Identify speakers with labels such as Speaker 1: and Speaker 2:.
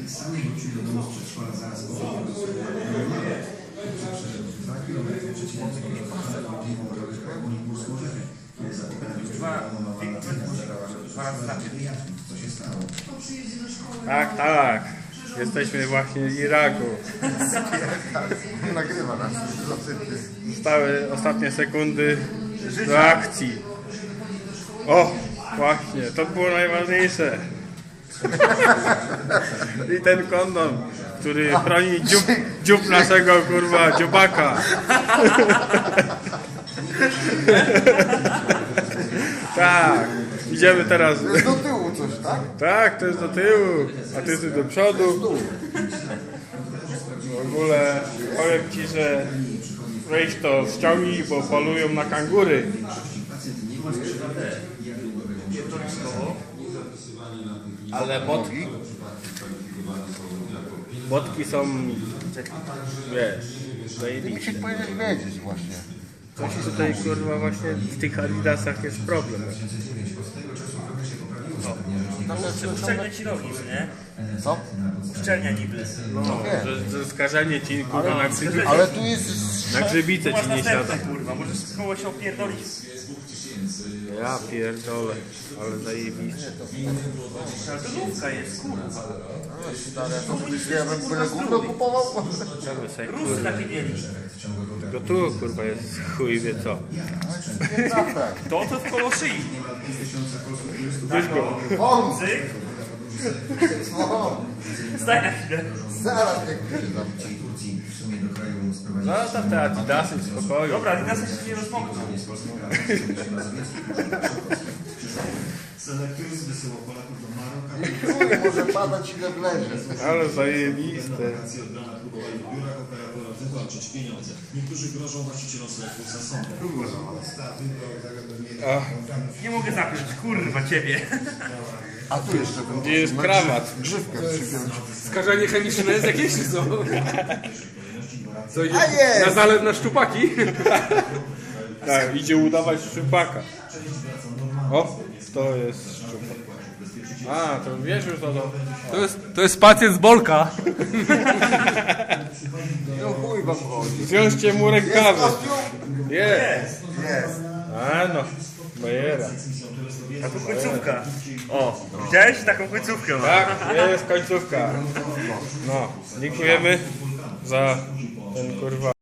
Speaker 1: Sam wrócił do domu z przedszkola zaraz po wyjściu. 2 kilometry przeciwnicy już pokonali możliwą drogę w Koniburską Rzekę. Kiedy zapytali już co się stało.
Speaker 2: Tak, tak. Jesteśmy właśnie w Iraku.
Speaker 3: Nagrywa nas.
Speaker 2: Zostały ostatnie sekundy do akcji. O, właśnie, to było najważniejsze. I ten kondom, który chroni dziób naszego kurwa dziobaka. Tak, idziemy teraz.
Speaker 3: To jest do tyłu coś, tak?
Speaker 2: Tak, to jest do tyłu, a ty jesteś do przodu. W ogóle powiem ci, że weź to ściągnij, bo polują na kangury. Ale botki są, wiesz,
Speaker 3: Musisz powiedzieć wiedzieć właśnie.
Speaker 2: coś tutaj kurwa właśnie w tych adidasach jest problem.
Speaker 4: Uszczelnia ci rogi, nie?
Speaker 3: Co?
Speaker 4: Uszczelnia niby.
Speaker 2: No, że skażenie ci kurwa
Speaker 3: Ale tu jest...
Speaker 2: na grzybicę
Speaker 4: Masz
Speaker 2: ci nie siada.
Speaker 4: następne, kurwa, możesz z koło się opierdolić.
Speaker 2: Ja pierdolę, ale zajebiste.
Speaker 4: Ale to nówka jest, kurwa.
Speaker 3: Stary, ja bym byle gówno kupował.
Speaker 4: Rusy takie mieli.
Speaker 2: Tylko tu kurwa jest chuj wie co.
Speaker 4: To w koło szyi.
Speaker 2: Weź go.
Speaker 4: Cyk. Staj na chwilę.
Speaker 3: Zaraz jak przyjdę.
Speaker 2: Zostaw te adidasy w spokoju.
Speaker 4: Dobra, teraz się nie rozmokną.
Speaker 1: Selektyzm wysyłał Polaków do Maroka.
Speaker 3: Może padać ile wlezie.
Speaker 2: Ale zajebiste.
Speaker 1: Wakacje od rana próbowali w biurach operatorów wywalczyć pieniądze. Niektórzy grożą właścicielom sklepów za sądem.
Speaker 4: Nie mogę zapiąć, kurwa, ciebie.
Speaker 3: A tu jeszcze bym...
Speaker 2: Gdzie jest krawat?
Speaker 3: Grzywkę przypiąć.
Speaker 5: Skażenie chemiczne jest jakieś czy co? Co idzie
Speaker 3: A jest!
Speaker 5: na zalew na szczupaki?
Speaker 2: Tak, idzie udawać szczupaka. O, to jest szczupak. A, to wiesz już to.
Speaker 5: To jest pacjent z Bolka.
Speaker 3: No chuj wam chodzi.
Speaker 2: Zwiążcie mu rękawy.
Speaker 3: Kostium?
Speaker 2: Jest.
Speaker 3: Jest.
Speaker 2: A no, bajera.
Speaker 4: A tu końcówka. O, widziałeś? Taką końcówkę ma.
Speaker 2: Tak, jest końcówka. No, dziękujemy za ten kurwa.